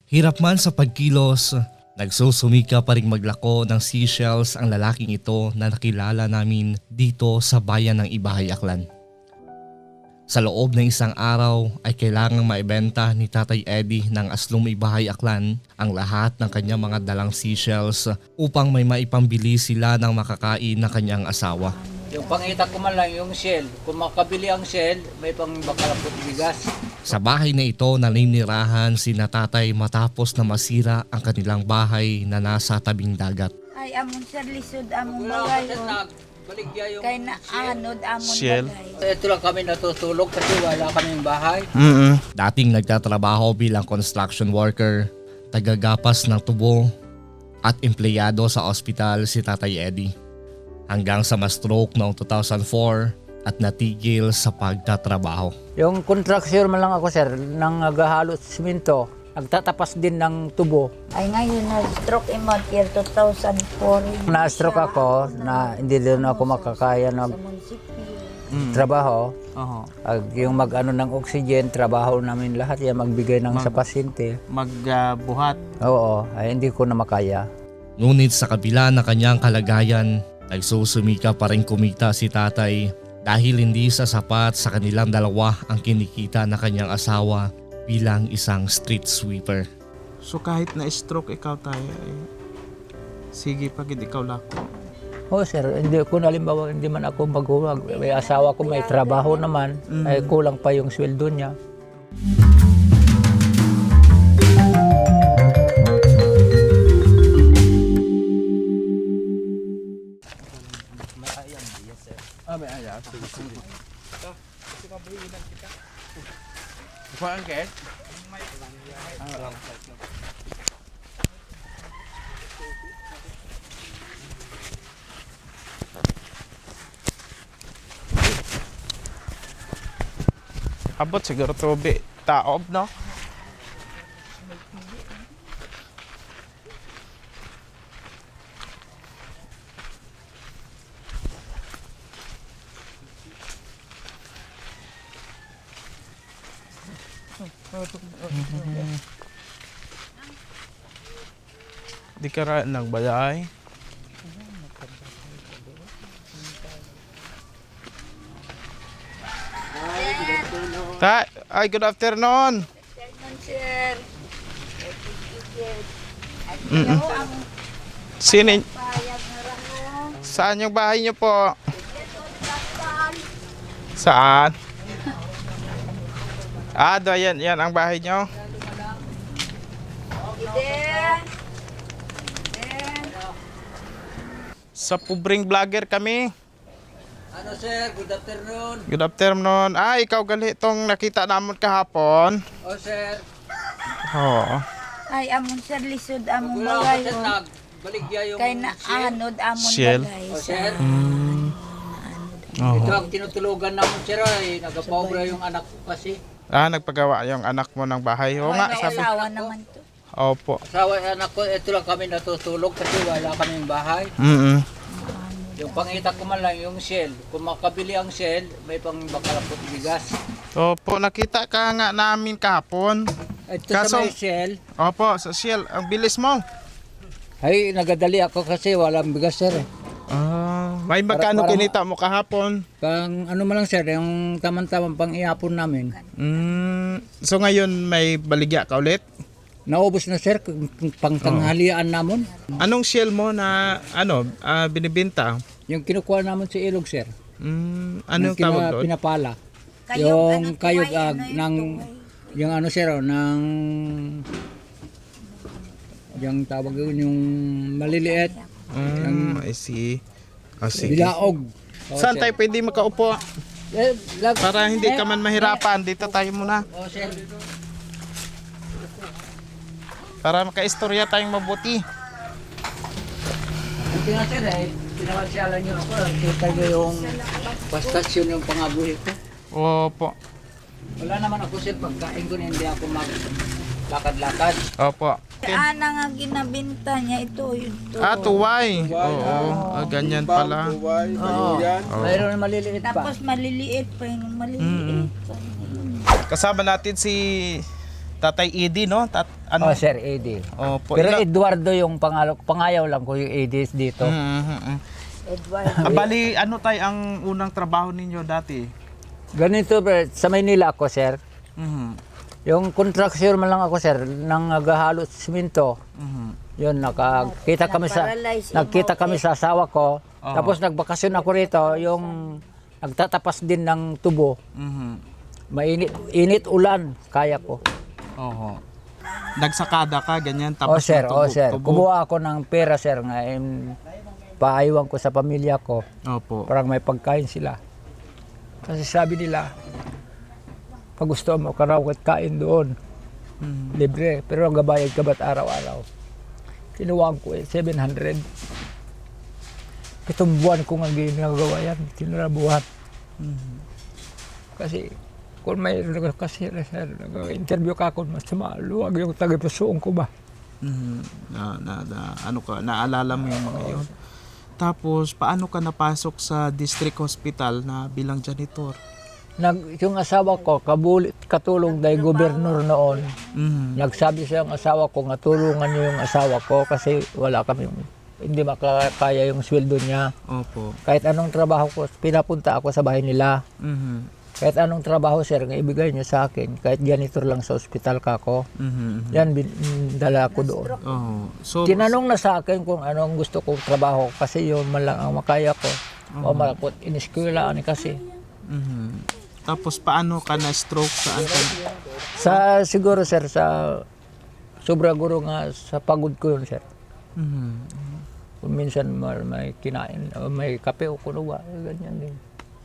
Hirap man sa pagkilos, nagsusumika pa ring maglako ng seashells ang lalaking ito na nakilala namin dito sa bayan ng Ibahay, Aklan. Sa loob ng isang araw ay kailangang maibenta ni Tatay Eddie ng Aslum Ibahay, Aklan ang lahat ng kanyang mga dalang seashells upang may maipambili sila ng makakain na kanyang asawa. Yung pangita ko man lang yung shell. Kung makabili ang shell, may pang bakalapot bigas. Sa bahay na ito naninirahan si Tatay matapos na masira ang kanilang bahay na nasa tabing dagat. Ay, amon sir, lisod, amon bagay. Baligya yung Kay na anod, amon Shell. bagay. Ito lang kami natutulog kasi wala kaming bahay. Dating nagtatrabaho bilang construction worker, tagagapas ng tubo at empleyado sa ospital si Tatay Eddie. Hanggang sa ma-stroke noong 2004 at natigil sa pagtatrabaho. Yung contractor man lang ako sir, nang naghahalot simento, nagtatapas din ng tubo. Ay, ngayon na-stroke imod year 2004. Na-stroke ako na hindi din ako makakaya Sa ng munisipyo. trabaho. Yung mag-ano ng oxygen, trabaho namin lahat yan, magbigay ng sa pasyente. Magbuhat. Oo, ay hindi ko na makaya. Ngunit sa kabila ng kanyang kalagayan, nagsusumika pa rin kumita si Tatay dahil hindi sasapat sa kanilang dalawa ang kinikita na kanyang asawa bilang isang street sweeper. So kahit na stroke ikaw tayo, sige pag ikaw lako. Oh sir, hindi ko halimbawa hindi man ako maghuwag. May asawa ko, may trabaho naman, ay kulang pa yung sweldo niya. May ayam. Sige. Kuhaan ka? Abot siguro tubi. Taob, no? Di ka ra nagbayay. Ay, good afternoon. Sir, Sino? payag na ramo. Saan yung bahay niyo po? Saan? Yan ang bahay niyo. Iden. Sa Pubring Vlogger kami. Ano sir, good afternoon. Good afternoon. Ikaw gali itong nakita namon kahapon. Oh sir, Oo. Ay, amon sir, lisod, amon wala bagay. ako sir, nagbaligya yung Kay na shell. anod, amon Shell. bagay. Oh sir, Oo. ito ang tinutulugan namin sir ay nagapobra yung anak ko kasi. Nagpagawa yung anak mo ng bahay. Oo nga, May sabi. asawa naman to. Opo. Asawa anak ko, ito lang kami natutulog kasi wala kaming bahay. Yung pangita ko man lang yung shell. Kung makabili ang shell, may pang bakalapot bigas. Opo, nakita ka nga namin kahapon. Ito Kaso- sa may shell, Opo, sa Shell. Ang bilis mo. ay nagadali ako kasi walang bigas sir. May magkano Parang- kinita mo kahapon? Pang ano man lang sir, yung tamang-tamang pang iapon namin. So ngayon may baligya ka ulit? Naubos na sir, pang tanghalian namon. Anong Shell mo na binibenta? Yung kinukuha namin sa ilog sir. Anong Yung tawag doon? pinapala. Kayog, Yung ano, kayog tuway, ano, ng yung yung ano sir, ng yung tawag yun, yung maliliit, I see. Sige. bilaog. Saan tayo pwede makaupo? Para hindi ka man mahirapan, dito tayo muna. Oh, sir. Para makaistorya tayong mabuti. Hindi nga sir pinakasyalan nyo ako. Kita nyo yung pastasyon yung pangabuhi ko. Opo. Wala naman ako sir, pagkain ko na hindi ako maglakad-lakad. Opo. Ana nga ginabinta niya ito. Tuway. Oo. Ganyan pala. Oo. Mayroon na maliliit pa. Tapos maliliit pa yung maliliit. Kasama natin si Tatay Eddie, no? Oh, Sir Eddie. Opo. Pero Eduardo yung pangayaw lang ko yung Eddie dito. Edward. Bali, ano tay ang unang trabaho ninyo dati? Ganito, sa Maynila ako, sir. Mhm. Yung contractor man lang ako, sir, nang naghahalo simento. Mhm. Yun, Na-paralyze nagkita kami sa asawa ko. Oo. Tapos nagbakasyon ako rito, yung nagtatapas din ng tubo. Mhm. Init ulan, kaya ko. Oho. Nagsakada ka, ganyan, tapos Sir, sir. tubo. Kumuha ako ng pera, sir, nga paaywan ko sa pamilya ko. Opo. Parang may pagkain sila. Kasi sabi nila, pag gusto mo ka raw kain doon, libre. Pero ang gabayad ka ba't araw-araw? Kinuwaan ko 700. 7 buwan ko nga ginagawa yan. Tinarabuhan. Kasi kung may kasi interview ka ako, mas maluwag yung tagapusoon ko ba? Mhm. Ano ka, naalala mo yung mga yun. Tapos, paano ka napasok sa district hospital na bilang janitor? Yung asawa ko, katulong dahil gobernur noon. Mhm. Nagsabi siya ang asawa ko, nga tulungan niyo yung asawa ko kasi wala kami, hindi makakaya yung sweldo niya. Opo. Kahit anong trabaho ko, pinapunta ako sa bahay nila. Mhm. Kahit anong trabaho, sir, nga ibigay niyo sa akin. Kahit janitor lang sa ospital ka ko. Mhm. Yan, dala ko doon. Oh. So, Tinanong na sa akin kung anong gusto kong trabaho kasi yun man lang ang makaya ko. O malakot, iniskwela kasi. mhm. Tapos, paano ka na-stroke? Saan ka? Siguro, sir, sa sobra guro nga sa pagod ko yun, sir. Mhm. Kung minsan may kinain, may kape o kunuwa, ganyan din.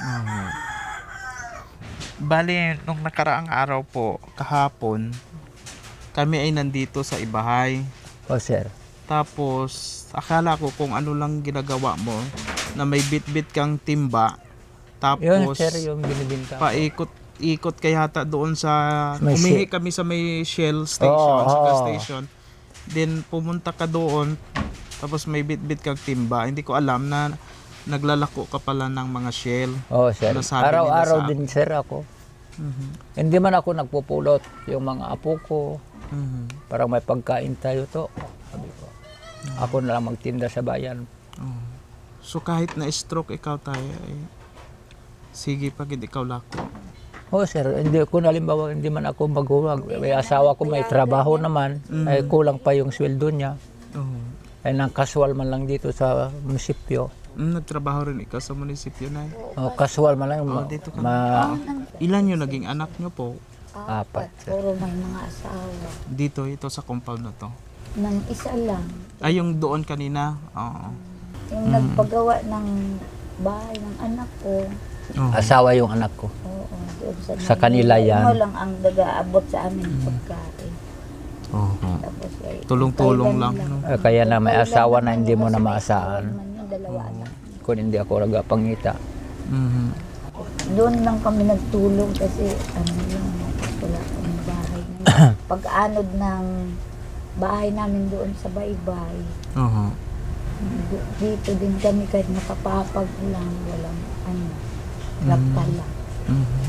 Bali, nung nakaraang araw po, kahapon, kami ay nandito sa Ibahay. O, sir. Tapos, akala ko kung ano lang ginagawa mo, na may bit-bit kang timba. Yun, Tapos, sir, yung binibinta. paikot kaya yata doon sa, May umihi kami sa may Shell station, sa gas Oo. station. Then, pumunta ka doon, tapos may bit-bit kang timba. Hindi ko alam na naglalako ka pala ng mga Shell. O, sir. Nasabi nila Araw-araw sa din, sir, ako. Mhm. Hindi man ako nagpupulot. Yung mga apo ko, Mhm. parang may pagkain tayo to. Sabi ko, ako na lang magtinda sa bayan. Oh. So kahit na-stroke ikaw tayo, sige pag hindi ikaw lako. O, sir, hindi ko halimbawa, hindi man ako maghuwag. May asawa ko, may trabaho naman. Ay kulang pa yung sweldo niya. Oh. Ay nang casual man lang dito sa munisipyo. Nagtrabaho rin ikaw sa munisipyo na. O, casual man lang. Dito ka. Ilan yung naging anak nyo po? 4, sir. Puro may mga asawa. Dito, ito sa compound na to. Nang isa lang. Ay, yung doon kanina? Oo. Yung nagpagawa ng bahay ng anak ko. Oh. Asawa yung anak ko. Oo, doon Sa kanila yan. Ano lang ang nag-aabot sa amin pagkain. Oo. Tapos ay Tulong-tulong lang. Thailand No? Kaya na may asawa na hindi mo na maasahan. Man yung dalawa anak. Kung hindi ako nagpangita. Mhm. Doon lang kami nagtulog kasi ano yung wala kaming bahay. Pag-anod ng bahay namin doon sa baybay. Oo. Dito din kami kahit nakapapag lang, walang lapal lang. Mhm.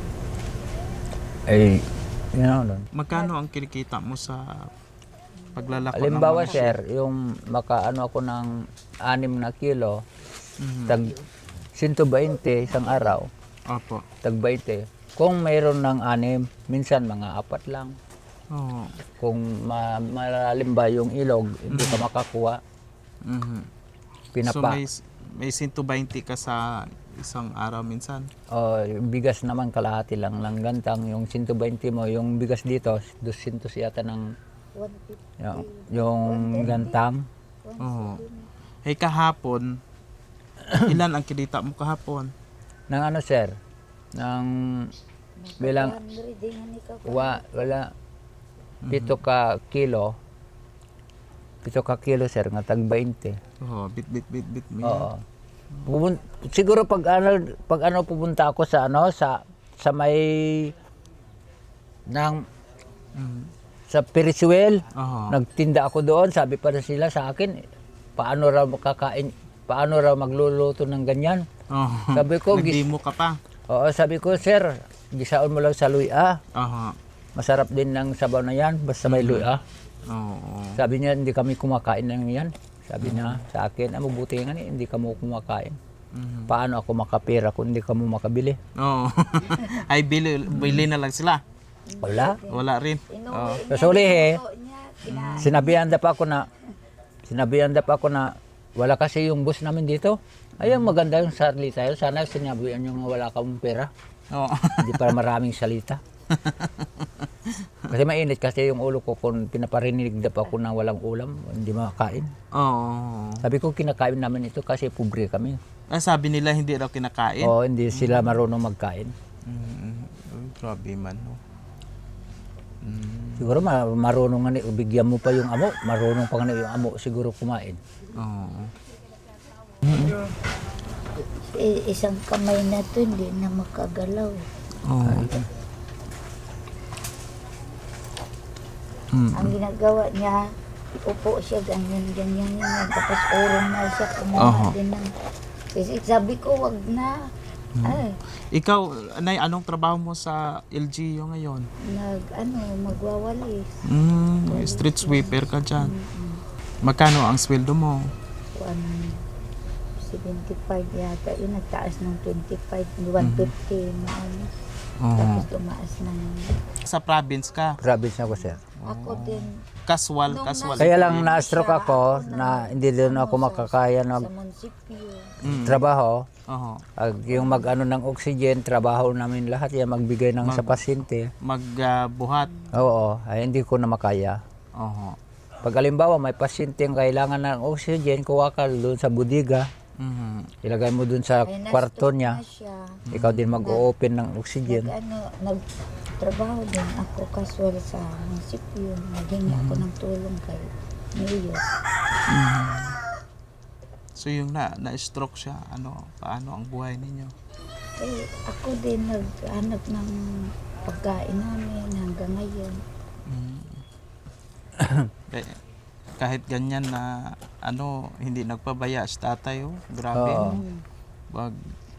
Eh, you know, nun. Magkano ang kinikita mo sa paglalako ng Halimbawa, mga sir, yung makaano ako ng 6 na kilo, tag 120 isang araw, Opo. tag 20. Kung mayroon ng 6, minsan mga 4 lang. Oo. Kung malalim ba yung ilog, hindi ka makakuha. Mhm. So Pinapa. may 120 ka sa isang araw minsan. Yung bigas naman kalahati lang ng gantang. Yung 120 mo, yung bigas dito, 200 yata ng 150. yung gantang. Oo. Hey, kahapon, ilan ang kinita mo kahapon? Nang ano, sir? Nang bilang 100 din yan ikaw. wala 7 ka kilo. 7 ka kilo, sir, nga tag 20. Oo, bit mo yan. Oo. Siguro pag ano pupunta ako sa sa may ng sa Perisuel, Oo. nagtinda ako doon, sabi pa rin sila sa akin, paano raw makakain, paano raw magluluto ng ganyan. Oo. Sabi ko, Nag-demo ka pa. oo, sabi ko, sir, gisaon mo lang sa luya. Oo. masarap din ng sabaw na yan, basta may luya. Oo. Sabi niya, hindi kami kumakain ng yan. Sabi niya sa akin, mabuti nga hindi ka mo kumakain. Paano ako makapera kung hindi ka mo makabili? Oo. Ay, bili na lang sila. Wala. Wala rin. Oo. Sa uli sinabihan pa ako na wala kasi yung boss namin dito. Ayun, maganda yung salita yun. Sana sinabihan nyo nga wala kang pera. Oo. Hindi para maraming salita. Kasi mainit kasi yung ulo ko kung pinaparinig daw ako na walang ulam, hindi makakain. Oo. Sabi ko kinakain namin ito kasi pobre kami. Sabi nila hindi raw kinakain. Oo, hindi sila marunong magkain. Grabe man. No? Siguro marunong nga bigyan mo pa yung amo, marunong pa nga yung amo siguro kumain. Oo. Isang kamay na to, hindi na makagalaw. Oo. Ang ginagawa niya, upo siya, ganyan. Tapos urong na siya, kumuha din ng... Kasi sabi ko, wag na. Ay, Ikaw, Nay, anong trabaho mo sa LGU ngayon? magwawalis. Street sweeper ka dyan. Magkano ang sweldo mo? 175 yata. Yun, nagtaas ng 25, 150 na ano. Oo. Tapos tumaas ng... Sa province ka? Province ako, sir. Ako din. Casual. Kaya lang na-stroke ako na hindi din ako makakaya Sa ng munisipyo. trabaho. Oo. Yung mag-ano ng oxygen, trabaho namin lahat yan, magbigay ng sa pasyente. Magbuhat. Oo, ay hindi ko na makaya. Oo. Pag alimbawa may pasyente ang kailangan ng oxygen, kuha ka doon sa budiga, ilagay mo doon sa Ay, kwarto na-stroke niya, na siya. ikaw din mag-open ng oxygen. Nagtrabaho din ako casual sa munisipyo. Naghingi ako ng tulong kay Mayor. So yung na-stroke siya, paano ang buhay ninyo? Eh, ako din naghanap ng pagkain namin hanggang ngayon. Kahit ganyan na hindi nagpabaya si tatay, grabe. Oo. Wag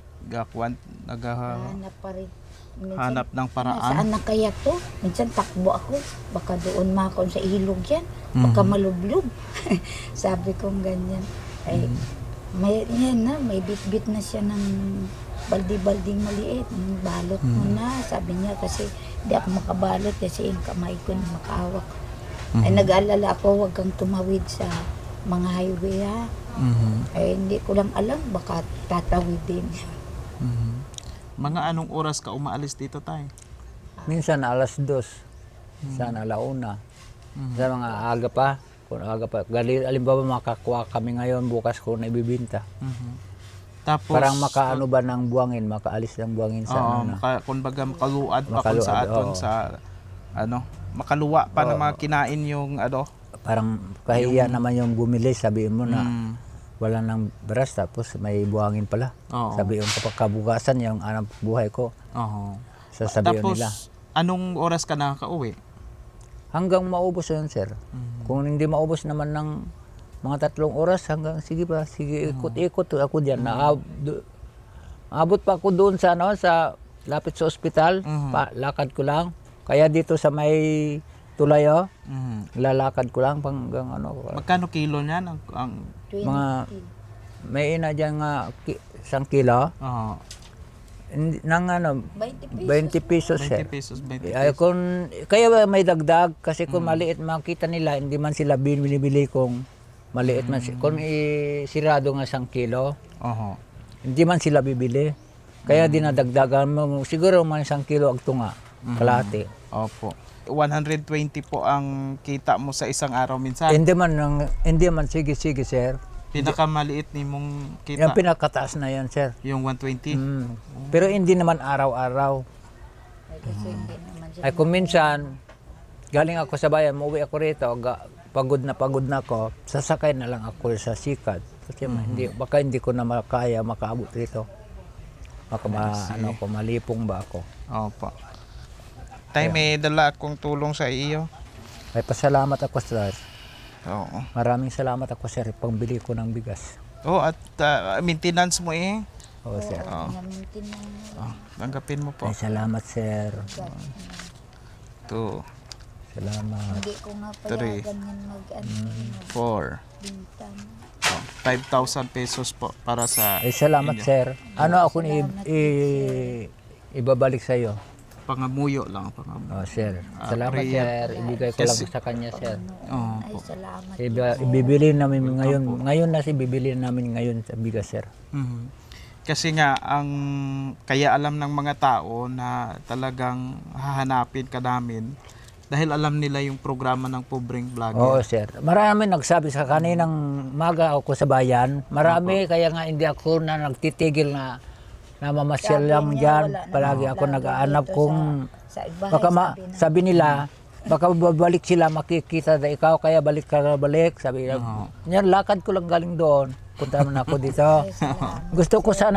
Hanap pa rin. Minsan, hanap ng paraan. saan na kaya to? Minsan takbo ako. Baka doon makon sa ilog yan. Baka malublog. Sabi kong ganyan. Ay, may bit-bit na siya ng baldi-balding maliit. Balot mo na. Sabi niya kasi di ako makabalot kasi yung kamay ko na makahawak. Ay nag-aalala ako, wag kang tumawid sa mga highway ha. Ay hindi ko lang alam, baka tatawid din. Mga anong oras ka umaalis dito, tay? Minsan alas 2, minsan alauna. Sa mga aga pa, kung aga pa. Alimbawa makakuha kami ngayon, bukas ko na ibibinta. Tapos Parang makaano ba ng buwangin, makaalis ng buwangin sa ano na. kumbaga makaluad pa kung Makaluad, sa aton oo. sa makaluwa pa na makinain yung Parang kahiya naman yung bumili, sabihin mo na wala nang beras tapos may buhangin pala. Oo. Sabi yung kapag kabukasan yung anong buhay ko, Oo. sasabihin Tapos nila. anong oras ka nakaka-uwi? Hanggang maubos yun, sir. Kung hindi maubos naman ng mga 3 oras, hanggang sige ikot-ikot ako diyan. Abot pa ako doon sa sa lapit sa ospital, lakad ko lang. Kaya dito sa may Tulayo, lalakad ko lang hanggang Magkano kilo niyan ang 20. mga may ina diyan nga 1 kilo. Oo. Nang 20 pesos, 20 sir. pesos, 20 Ay, pesos. kaya may dagdag kasi kung maliit makita nila, hindi man sila binibili kung maliit man. Kung sirado nga 1 kilo, Oo. hindi man sila bibili. Kaya dinadagdagan mo, siguro man 1 kilo ang tunga, kalahati. Opo. 120 po ang kita mo sa isang araw minsan. Hindi man, sige, sir. Pinakamaliit ni mong Yung kita, pinakataas na yan, sir. yung 120. Pero hindi naman araw-araw. Ay, kasi hindi naman siya. Ay kung minsan, galing ako sa bayan, umuwi ako rito, pagod na ako, sasakay na lang ako sa sikat. Kasi baka hindi ko na makaabot rito. Baka malipong ba ako. Opo. Tay, may dala akong tulong sa iyo. Ay pasalamat ako, sir. Oo. Maraming salamat ako, sir, pangbili ko ng bigas. At maintenance mo Oo, sir. Namintin na Tanggapin mo po. Ay salamat, sir. 2, Salamat. Hindi ko nga Three. payagan yan mag 4, magbintang. 5,000 pesos po para sa Ay, salamat, inyo. sir. Ano ako ibabalik sa iyo? Pangamuyo lang, pangamuyo. Oh, sir. Salamat, prayer. sir. Ibigay ko lang sa kanya, sir. Oo Ay, po. salamat. Ibibili namin ngayon. Ngayon na bibili namin ngayon sa bigas, sir. Mhm. Kasi nga ang kaya alam ng mga tao na talagang hahanapin ka namin dahil alam nila yung programa ng pobreng Oo, vlogger. sir. Marami nagsabi sa kaninang maga ako sa bayan. Marami, kaya nga hindi ako na nagtitigil na namamasyal Sabi lang niya, dyan. wala na Palagi ako vlogger nag-aanap dito kung sa bahay, baka sabi nila, baka babalik sila makikita na ikaw kaya balik ka na balik. Sabi niya, yan lakad ko lang galing doon. Punta naman ako dito. Ay, salamat. Gusto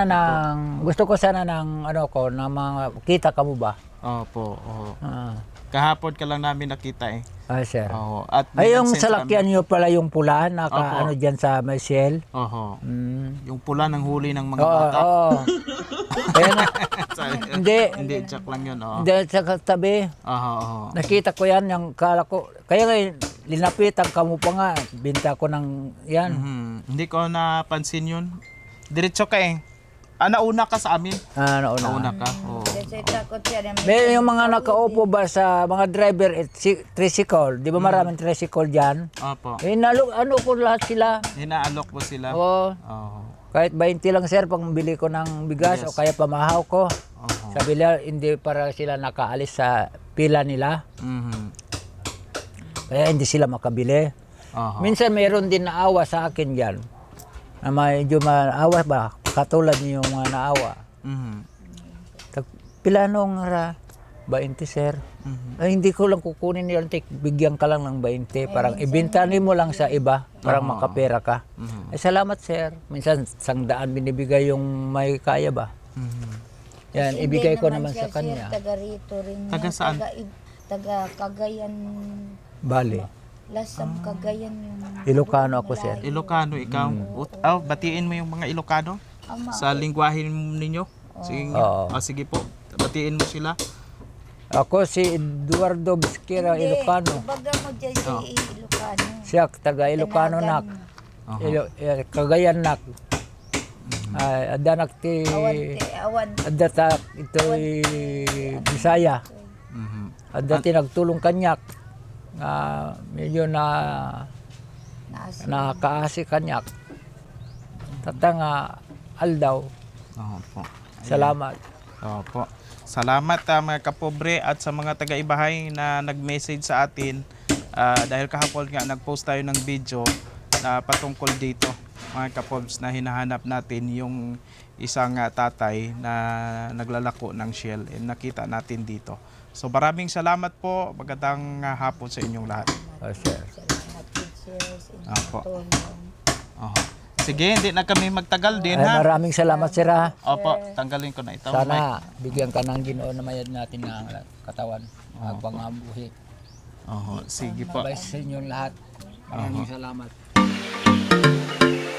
ko sana ng ano ko na mga kita ka mo ba? Opo, oo. Ah, Kahapon ka lang namin nakita eh. sir. Oo. At Ay, yung nag-send salakyan niyo pala yung pula na Opo. ano dyan sa Michelle. kami. Oho. Mm. Yung pula ng huli ng mga Oo, bata. oo. Kaya nga, hindi, Hindi, joke lang yun. Oo. hindi sa katabi. Oho, oho. Nakita ko yan, yung kala ko. Kaya nga, linapitan ka mo pa nga. Binta ko ng yan. Mhm. Hindi ko napansin yun. Diretso ka eh. Nauna ka sa amin. Nauna. Nauna ka. Oo. Kasi takot siya na May yung mga nakaupo ba sa mga driver at tricycle. Di ba maraming tricycle dyan? Opo. Ano ko lahat sila. Hinaalok mo sila. Oo. Oo. Kahit 20 lang, sir, pang bili ko ng bigas o kaya pamahaw ko. Oho. Sabi nila, hindi para sila nakaalis sa pila nila. Mhm. Kaya hindi sila makabili. Oho. Minsan mayroon din naawa sa akin dyan. Na medyo maawa ba? Katulad niyo yung mga naawa. Mhm. Pila nung 20, sir. Mhm. Ay, hindi ko lang kukunin yun. Bigyan ka lang ng 20. Parang ibintanin mo lang sa iba. Parang makapera ka. Mhm. Ay, salamat, sir. Minsan, 100 binibigay yung may kaya ba? Mhm. Yan, Hindi ibigay ko naman siya, sa kanya. Sir, taga rito rin. Taga yan. saan? Taga Cagayan. Bali. Lasam Cagayan yung... Ilocano ako, sir. Ilocano ikaw. Batiin mo yung mga Ilocano Ama. sa lingwahe ninyo. Sige. Oo. Sige po. Batiin mo sila. Ako si Eduardo Bisquera, Ilocano. Baga mo dyan si Ilocano. Siya, taga Ilocano nak. Cagayan nak. Ay, adanak ti... Awan. Adata ito Bisaya. Mhm. Adati nagtulong kanyak. Medyo Naas. nakaasi kanyak. Tatanga aldaw. Opo. Salamat. Opo. Salamat mga kapobre at sa mga taga-ibahay na nag-message sa atin dahil kahapon nga nag-post tayo ng video na patungkol dito mga kapobs na hinahanap natin yung isang tatay na naglalako ng shell and nakita natin dito. So maraming salamat po. Magandang hapon sa inyong lahat. Sir. Salamat, teachers. Opo. Tulong. Oho. Sige, hindi na kami magtagal din Ay, ha. maraming salamat, sir, ha. Opo, tanggalin ko na ito. Sana bigyan ka ng Ginoo na mayad natin ng katawan. Magpangabuhi. Oho, sige po. Bye sa inyong lahat. Maraming salamat.